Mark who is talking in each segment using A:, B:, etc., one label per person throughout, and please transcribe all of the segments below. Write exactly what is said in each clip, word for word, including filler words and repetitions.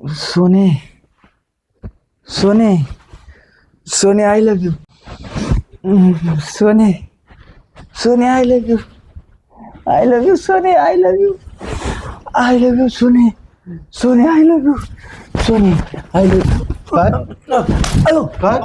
A: सोने सोने सोने आय लव्ह यू. सोने सोने I love you. I love you सोने. I love you. I love you सोने. सोने आय लव्ह यू. सोने आय लव्ह यू.
B: काय
A: अयो
B: काय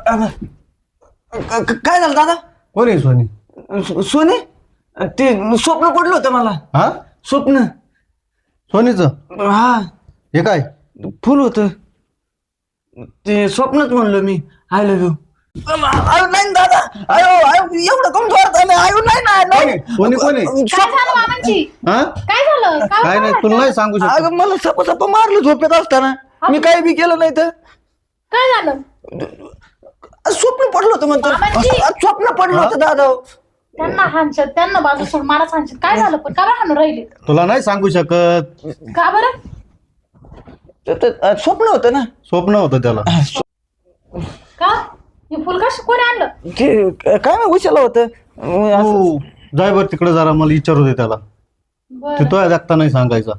A: काय झालं दादा?
B: कोण आहे सोनी?
A: सो- सोने ते स्वप्न पडलं होतं मला.
B: हा
A: स्वप्न.
B: सोनीचं
A: हा
B: हे काय?
A: फुल होतं ते स्वप्नच म्हणलो मी. I love you. आयो नाही दादा. आयो आयो एवढं कम जोरात आलं. आयो नाही ना नाही.
B: सोनी कोण आहे?
C: काय झालं मामांची?
B: हा
C: काय झालं? काय
B: काय नाही
C: वाटलं?
B: तुला नाही सांगू शकत.
A: अगं मला सप सप मारलं झोपेत असताना. मी काही बी केलं नाही तर
C: काय झालं?
A: स्वप्न पडलं होतं म्हणतो.
C: मामांची.
A: स्वप्न पडलं होतं दादा.
C: त्यांना हानशत त्यांना बाजू सोड मला हानशत काय झालं पण का बरं हाणून राहिले?
B: तुला नाही सांगू शकत.
C: का बरं?
A: ते- ते स्वप्न होतं ना.
B: स्वप्न होतं त्याला.
C: का हे फुल का कोणी आणलं?
A: ते काय नाही उशाला होतं. असं-
B: हो जाय बर तिकडे जरा मला विचारू दे त्याला.
C: बरं.
B: ते तो जागता नाही सांगायचा.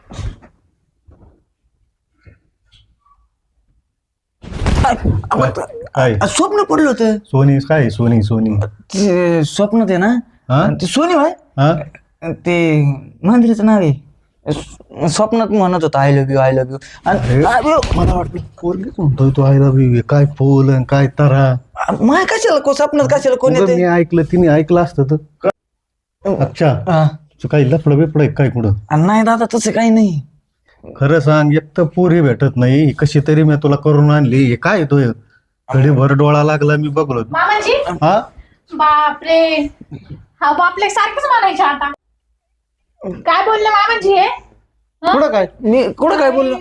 B: काय
A: स्वप्न पडलं होतं.
B: सोनी काय सोनी सोनी
A: ते स्वप्न ते ना.
B: हा
A: ते सोनी भाई
B: हा
A: ते मंदिराचं नाव आहे. स्व- स्वप्नात म्हणत होता I love you. I love you. आणि आयो,
B: मला वाटलं पोरगीच म्हणतोय तो आय लव्ह यू. काय फुल आणि काय तरा.
A: माय कशाला को स्वप्नात कशाला कोण
B: उगाच
A: येते?
B: मी ऐकलं तिने ऐकलं असतं तर. अच्छा
A: हा.
B: तू काही लफडं बिफड काय कुठं?
A: आणि नाही दादा तसं काही नाही.
B: खरं सांग एक तर पोरी भेटत नाही. कशी तरी मी तुला करून आणली. हे काय तो घडी भर डोळा लागला मी बघलो.
C: मामांची
B: हा
C: बापरे हा बापले सारखंच म्हणायचे आता. काय बोलले मामांची हे? हं?
B: कुठं काय
A: मी कुठं काय बोललो?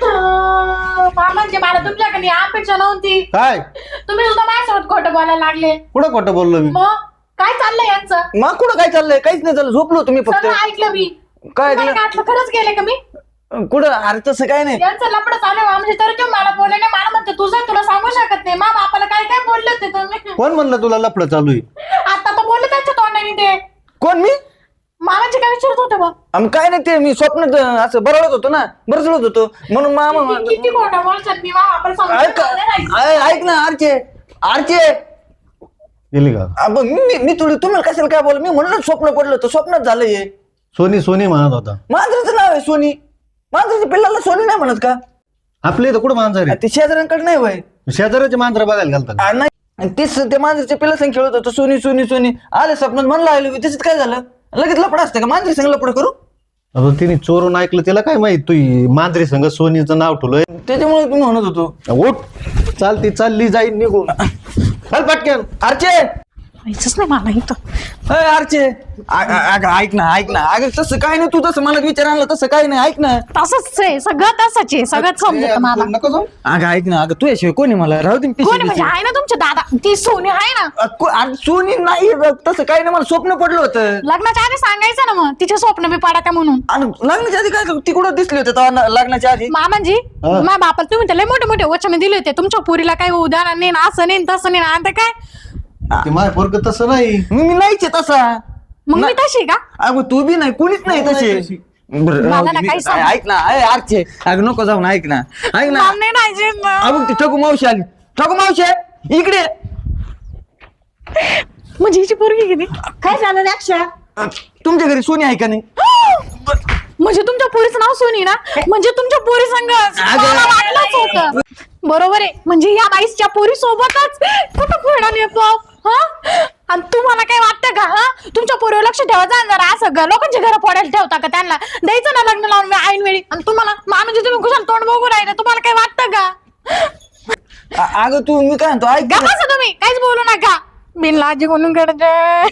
C: अं, मामांची मला तुमच्याकडे अपेक्षा नव्हती.
B: काय
C: तुम्ही सुद्धा माझ्यासोबत खोटं बोलायला लागले.
B: कुठं खोटं बोललो मी?
C: मग काय चाललंय यांचं?
A: मग कुठं काय चाललंय? काहीच नाही झालं. झोपलो तुम्ही फक्त.
C: सगळं ऐकलं मी.
A: काय
C: तुम्हाला
A: ऐकलं?
C: काय वाटलं खरंच गेले का मी?
A: कुठं? अरे तसं काय नाही.
C: यांचं लपड चालू आहे म्हणजे तर तुम्ही मला बोलले नाही. मला म्हणते तुझं तुला सांगू शकत नाही. मा बापाला काय काय बोलले होते तुम्ही?
B: कोण म्हणलं तुला लफडं चालू आहे?
C: आता तर बोलले त्यांच्या तोंडाने ते.
A: कोण मी?
C: मामांचे काय विचारत होते बघ?
A: आम काय नाही ते मी स्वप्नात असं बरळत होतो ना. बरचळत होतो म्हणून मामा
C: किती किती खोटं बोलतात मी मा बापाला सांगू
A: ऐक
C: शकत नाही राहायचं.
A: ऐ- ऐक ना आरचे. आरचे
B: गेली का?
A: अब मी मी थोडी तुम्हाला कशाला काय बोल. मी म्हणलं स्वप्न पडलं होतं. स्वप्नात झालं हे.
B: सोनी सोनी म्हणत होता.
A: मांजरीचं नाव आहे सोनी. मांजरीच्या पिल्लाला सोनी नाही म्हणत का?
B: आपल्या इथं कुठं मांजर आहे?
A: ते शेजाऱ्यांकडे नाही वय.
B: शेजाऱ्याचे मांजर बघायला घालतात का?
A: नाही आणि तेच ते मांजरीच्या पिल्ला संग खेळत होतं. सोनी सोनी सोनी आले स्वप्नात म्हणलं आलो. त्याच्यात काय झालं? लगेच लपड असतं का? मांजरी संग लपड करू?
B: आता तिने चोरून ऐकलं तिला काय माहित तू मांजरी संग सोनीचं नाव ठेवलंय.
A: त्याच्यामुळे तुम्ही म्हणत होतो.
B: उठ चालती चालली जाईल निघून. चल पटकन.
A: आरचे
C: माहितीच नाही मला इथं.
A: अय आरचे आ- आ- अगं ऐक ना ऐक ना. अगं तसं काय नाही. तू तसं मला विचार आणलं तसं काही नाही. ऐक ना.
C: तसंच आहे सगळं तसंच आहे सगळं समजत मला.
B: नको जाऊ.
A: अगं ऐक ना. अगं तू याशिवाय कोणी मला राहू दे.
C: कोणी म्हणजे आहे ना तुमचे दादा ती सोनी आहे ना.
A: सोनी नाही तसं काही नाही. मला स्वप्न पडलं होतं.
C: लग्नाच्या आधी सांगायचं ना मग तिचे स्वप्न बी पाडा का म्हणून.
A: आणि लग्नाच्या आधी काय ती कुठं दिसली होती तेव्हा न- लग्नाच्या आधी?
C: मामांजी
B: हा.
C: माझ्या बापाला तुम्ही त्याला मोठे मोठे वचन दिले होते तुमच्या पुरीला काही उदाहरण नाही ना असं नाही न तसं नाही ना आता काय
B: ते माझ्या पोरग तसं नाही.
A: मी मी नाहीच आहे तसा.
C: मग मी तशी का?
A: अगं तू बी नाही. कोणीच नाही तशी. बरं,
C: मला
A: राहू
C: ना
A: दे. मी-
C: काही सांग.
A: ऐक ना. अय आरचे अगं नको जाऊन ऐक ना. ऐक ना.
C: मला नाही राहायचे ना.
A: अगं ती ठकू मावशी आली. ठकू मावशी इकडे.
C: म्हणजे हिची पोरगी किती काय झालं रे अक्षा?
A: तुमच्या घरी सोनी आहे का नाही?
C: म्हणजे तुमच्या पोरीचं नाव सोनी ना म्हणजे तुमच्या पोरी संग मला वाटलंच होतं. बरोबर आहे म्हणजे या बाईसच्या पोरी सोबतच कुठं फिरणार येतो हा. आणि तुम्हाला काय वाटतं का? हा तुमच्या पोरीवर लक्ष ठेवायचं आणि जरा असं ग- लोकांची घरं फोडायला ठेवता का? त्यांना द्यायचं ना लग्न लावून ऐन वेळी. आणि तुम्हाला मा म्हणजे तुम्ही कुशाल तोंड बघू राहिले तुम्हाला काय वाटतं का?
A: अ- अगं तू मी काय म्हणतो ऐक
C: का
A: ना.
C: बसा तुम्ही काहीच बोलू नका. बिनलाजी म्हणून करते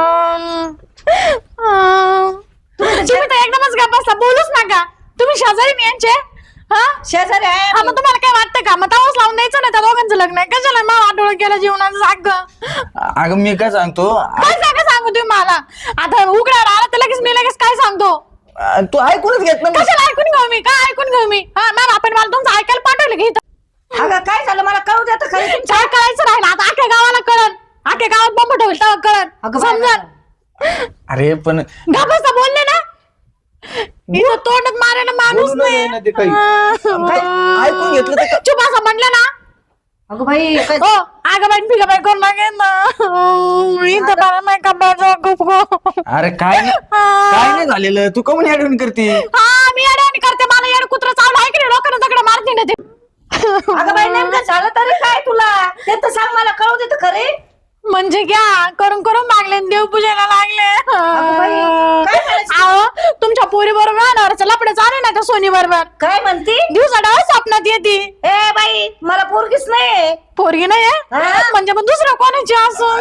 C: तुम्ही तर एकदमच गप्प बसला बोलूच नका. तुम्ही शेजारी नाही यांचे हा शेजारी आहे. हा, मग तुम्हाला काय वाटतं का? मग तवाच लावून द्यायचं ना त्या दोघांचं लग्न आहे. कशाला मग वाटोळ केलं जीवनाचं सांग ग.
A: अगं मी काय सांगतो.
C: काय सांगा सांगू तुम्ही मला आता उघड्यावर आला तर लगेच मी लगेच काय सांगतो.
A: अ, तू ऐकूनच घेत ना.
C: कशाला ऐकून घेऊ मी काय ऐकून घेऊ मी हा मॅम आपण मला तुमचं ऐकायला पाठवलं की इथं
D: अगं काय झालं मला कळू दे आता खरं.
C: काय कळायचं राहिलं आता अख्ख्या गावाला कळण अख्ख्या गावात बंब ठेवलं तेव्हा कळण
D: अगं बाय
C: समजा.
A: अरे पण
C: घाबरता बोलले ना इथं तोंडात मारायला माणूस
B: बोलू
C: नाही
B: नाही ना ते काही.
A: काय ऐकून घेतलं तर
C: चुप असं म्हणलं ना
D: अगं बाई काय-
C: हो अगं बाई फिगा बाई करू लागेल ना इथं मला नाही कपायचं खूप
A: अरे काय नाही काय नाही झालेलं तू कमून ऍडमिट करते
C: हा मी अडवणी करते मला येड कुत्र चावलं आहे की नाही लोकांना दगड मारते ना ते
D: अगं बाई नेमकं झालं तरी काय तुला ते तर सांग मला कळू दे तर खरे
C: म्हणजे घ्या करून करून मागले देव पूजायला लागले
D: बाई, काय करायचं?
C: अहो तुमच्या पोरी बरोबर अनावरचं लपडे चालू ना त्या सोनी बरोबर
D: काय म्हणती
C: दिवसा डाव स्वप्नात येते
D: ए बाई मला पोरगीच नाही
C: पोरगी नाही आहे?
D: हा?
C: म्हणजे मग दुसरं कोणाची असं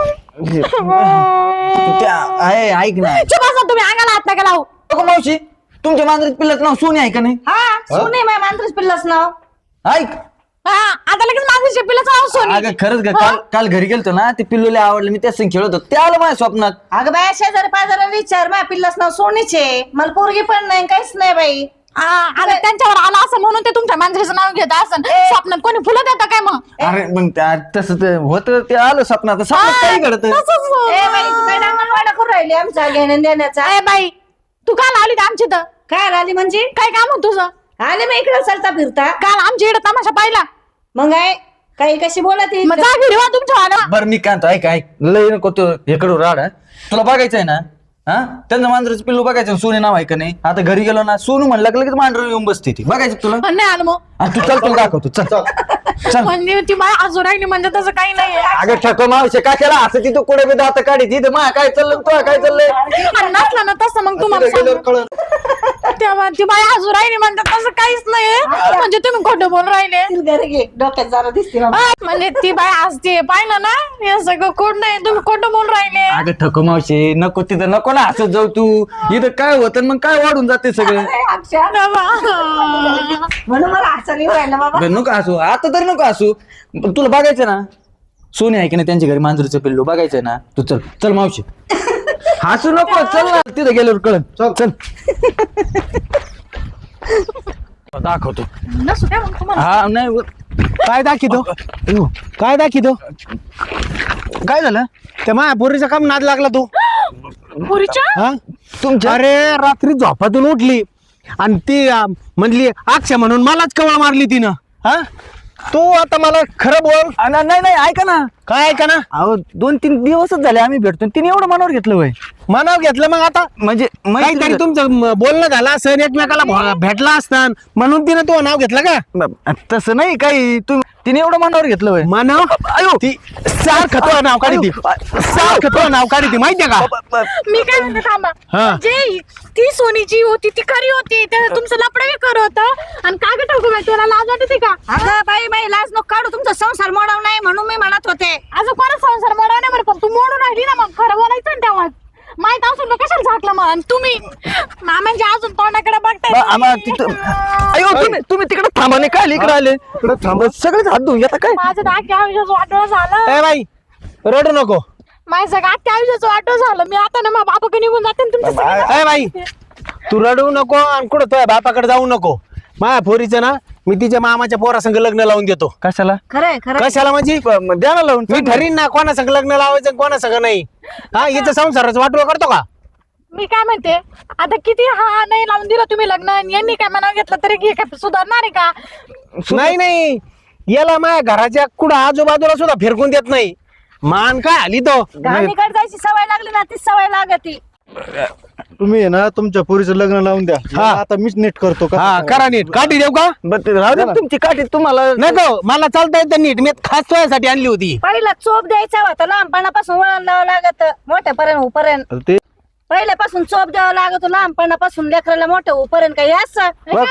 A: त्या आहे ऐक ना
C: चुप असा तुम्ही अंगाला हात नका लावू
A: अगं मावशी तुमच्या मांजरीत पिल्लाचं नाव सोनी आहे का नाही
D: हा सुने माझ्या मांजरीच पिल्लाच नाव
A: ऐक
C: हा आता लगेच माझं शेपीलाच नाव सोनी
A: अगं खरंच ग काल काल घरी गेलतो ना ते पिल्लूला आवडलं मी त्याच संग खेळत होतो ते आलं माझ्या स्वप्नात
D: अगं बाई शेजारी पाजारा विचार माझ्या पिल्लाच नाव सोनीचे मला पोरगी पण नाही काहीच नाही बाई
C: हा, आता त्यांच्यावर आला असं म्हणून ते तुमच्या मांजरीचं नाव घेत असं स्वप्नात कोणी फुलं देतं काय मग
A: अरे मग त्या- तसं ते होतं ते आलं स्वप्नात स्वप्नात काही घडत
C: तसंच हो.
D: ए बाई तू काय डांगणवाडा करून राहिली आमचा घेण्या देण्याचा
C: ए बाई तू काल आली का आमची तर
D: काय आली म्हणजे
C: काय काम होत तुझं
D: आले मी इकडे चालता फिरता
C: काल आमची इकडे तमाशा पाहिला
D: मग आहे काही कशी बोलत
C: मग जा घरी वा तुमच्या वाला
A: बरं मी काय म्हणतो, ऐक ऐक लय नको तो इकडं राड हं. तुला बघायचंय ना हा त्यांचं मांजराचं पिल्लू बघायचं सोनी नाव आहे का नाही आता घरी गेलो ना सोनू म्हणलं की लगेच मांजर येऊन बसते ती बघायचं तुला
C: पण नाही आलं मग
A: आणि तू चल तुला दाखवतो चल चल
C: म्हणजे ती माय आजू राहिली म्हणजे तसं काही नाही
A: अगं ठको मावशे काय केला असं तिथं कुठे बी दात काढी तिथं मा काय चाललं तुला काय चाललंय
C: आणि नसलं ना तसं मग तुम्हाला
B: तिला गेल्यावर
C: सांगू.
B: कळलं.
C: तेव्हा ती बाई आजू राहिली म्हणजे तसं काहीच नाही म्हणजे तुम्ही खोटं बोल राहिले
D: घरी घे डोक्यात जरा दिसते बाबा.
C: हा, म्हणजे ती बाई असते पाहिलं ना हे सगळं खोट नाही तुम्ही खोटं बोल राहिले
A: अगं ठको मावशे नको तिथं नको ना हसत जाऊ तू इथं काय होतं मग काय वाढून जाते सगळं
D: ए, अक्षय, म्हणून मला हसा नाही राहिला बाबा
A: बरं, नको असू आता तरी नको असू तुला बघायचं ना सोनी आहे की नाही त्यांच्या घरी मांजरीचं पिल्लू बघायचंय ना तू चल चल मावशी हसू नको चल ना तिथं गेल्यावर कळत चल दाखवतो
C: नसू द्या मग तुम्हाला
A: हा नाही व-
B: काय दाखितो काय दाखितो काय झालं त्या माझ्या पोरीचा काम नाद लागला तू
C: पुरीच्या
B: हा
A: तुमच्या
B: अरे रात्री झोपातून उठली आणि ती अं, म्हणली अक्षय म्हणून मलाच कवळ मारली तिनं हा तू आता मला खरं बोल
A: आ, ना- नाही नाही ऐका ना
B: काय ऐका ना
A: अहो दोन तीन दिवसच झाले आम्ही भेटतो तिने एवढं मनावर घेतलं वय
B: मनाव घेतलं मग आता
A: म्हणजे
B: काहीतरी
A: मैत्री-
B: तुमचं म, बोलणं झालं असं एकमेकाला भो- भेटला असता म्हणून तिनं तो नाव घेतलं का
A: ब- तसं नाही काही तुम्ही तिने एवढं मनावर घेतलं वय
B: मानव
A: अयो
B: ती सारखं तो नाव काढी ती सारखं तो नाव काढी ती माहितीये का
C: मी काय म्हणते थांबा
B: हा.
C: जे ती सोनीची होती ती खरी होती त्या तुमचं लपडे कर होतं आणि काय टाकू बाई तुला लाज वाटते का
D: अगं बाई बाई लाज नको काढू तुमचा संसार मोडाव नाही म्हणून मी म्हणत होते
C: असं कोणा संसार मोडा नाही बरं पण तू मोडून राहिली ना मग खरं बोलायचं ना तेव्हा माहित असून मग कशाला झाकलं मग आणि तुम्ही मामांच्या अजून तोंडाकडे
A: ब- आम्हा तिथं अयो तुम्ही तुम्ही तिकडे थांबा नाही काय इकडे आले
B: इकडं थांब.
A: सगळेच हात धुवून घेता काय
C: माझं तर अख्ख्या आयुष्याचं वाटोळं झालं
B: ए बाई रडू नको
C: माझं सगळं अख्ख्या आयुष्याचं वाटोळं झालं मी आता ना मग बापाकडे निघून जाते आणि तुमचं सगळं-
B: ए बाई तू रडू नको आणि कुठं तुझ्या बापाकडे जाऊ नको माझ्या पोरीचं ना मी तिच्या मामाच्या पोरासंग लग्न लावून देतो
A: कशाला
D: खरंय खरं
B: कशाला म्हणजे
A: ब- मग द्या ना लावून
B: मी ठरीन ना कोणासंग लग्न लावायचं आणि कोणासंग नाही हा हिचं संसाराचं वाटोळ करतो का
C: मी काय म्हणते आता किती हा नाही लावून दिलं तुम्ही लग्न आणि यांनी काय मनाव घेतलं तरी हे काय सुधारणार आहे का
B: नाही नाही याला माझ्या घराच्या कुठं आजूबाजूला सुद्धा फिरकून देत नाही मान काय आली तो
D: गाणीकडे जायची सवय लागली ना तीच सवय लागती
B: तुम्ही आहे ना तुमच्या पोरीचं लग्न लावून द्या
A: हा.
B: आता मीच नीट करतो हा करा नीट काठी देऊ का
A: बरं, ते राहू दे ना तुमची काठी तुम्हाला
B: नको मला चालता येतं नीट मी खास तुझ्यासाठी आणली होती
D: पहिला चोप द्यायचा होता लहानपणापासून वळण लावावं लागत मोठ्यापर्यंत होपर्यंत
B: ते
D: पहिल्यापासून चोप द्यावा लागतो लहानपणापासून लेकराला मोठं होपर्यंत काही असं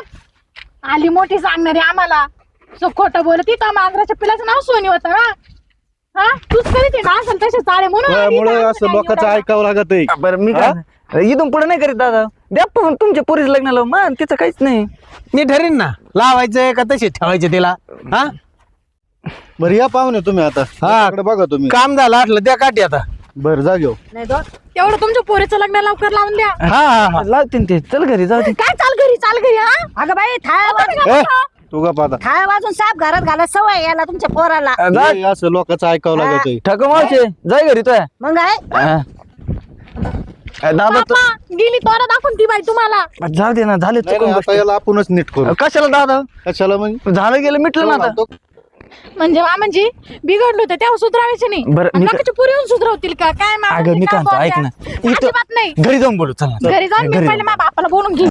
C: आली मोठी सांगणारी आम्हाला सो खोटं बोलत तिथं मांजराच्या पिलाचं नाव सोनी होतं ना हा तूच कधी ते ना असेल तसे चाळे म्हणून आली
B: त्यामुळे
C: इथं
B: असं
C: आमचं
B: लोकांचं
C: काही
B: ऐकावं लागत आहे
A: बरं मी काय इथून पुढे नाही करीत दादा द्या पण तुमच्या पोरीच लग्न लावून मान तिचं काहीच नाही
B: मी ठरीन ना लावायचंय का तसे ठेवायचे तिला हा
E: बरं या पाहुणे तुम्ही आता
B: हा.
E: इकडे बघा तुम्ही
B: काम झालं आटलं द्या काठी आता
E: बरं जा घेऊ
D: नाही दोन
C: तेवढं तुमच्या पोरीचं लग्न लवकर लावून द्या
B: हा हा हा
A: लावते ते चल घरी जाऊ दे
C: काय चाल घरी चाल घरी हा
D: अगं बाई थाळ्या वाजून
B: ए,
E: तू का पाहता
D: थाळ्या वाजून साप घरात घाला सवय याला तुमच्या पोराला
E: हे असं लोकांचं ऐकावं लागत आहे
A: ठको मावशे जाय घरी तो
D: मग आहे
A: दादा तू
C: बापा, गेली तोरा दाखवून ती बाई तुम्हाला.
A: जाऊ दे ना झाले
E: नाही,
A: चुकून
E: नाही, आता याला आपणच नीट करू
A: गोष्टी. कशाला दादा
E: कशाला म्हणजे
A: झालं गेलं मिटलं ना आता
C: म्हणजे मामांजी बिघडलो होतं तेव्हा सुधरावायचे नाही.
A: बरं,
C: आणि
A: मी काय-
C: नकाच्या पुरी येऊन सुधरवतील का काय मामांजी,
A: अगं मी
C: काय
A: काय म्हणतो, ऐक
C: बोलताय?
A: ना
C: अजिबात नाही.
A: घरी जाऊन बोलू चल ना
C: घरी जाऊन मी
A: घरी
C: पहिले माझ्या बापाला बोलून घे.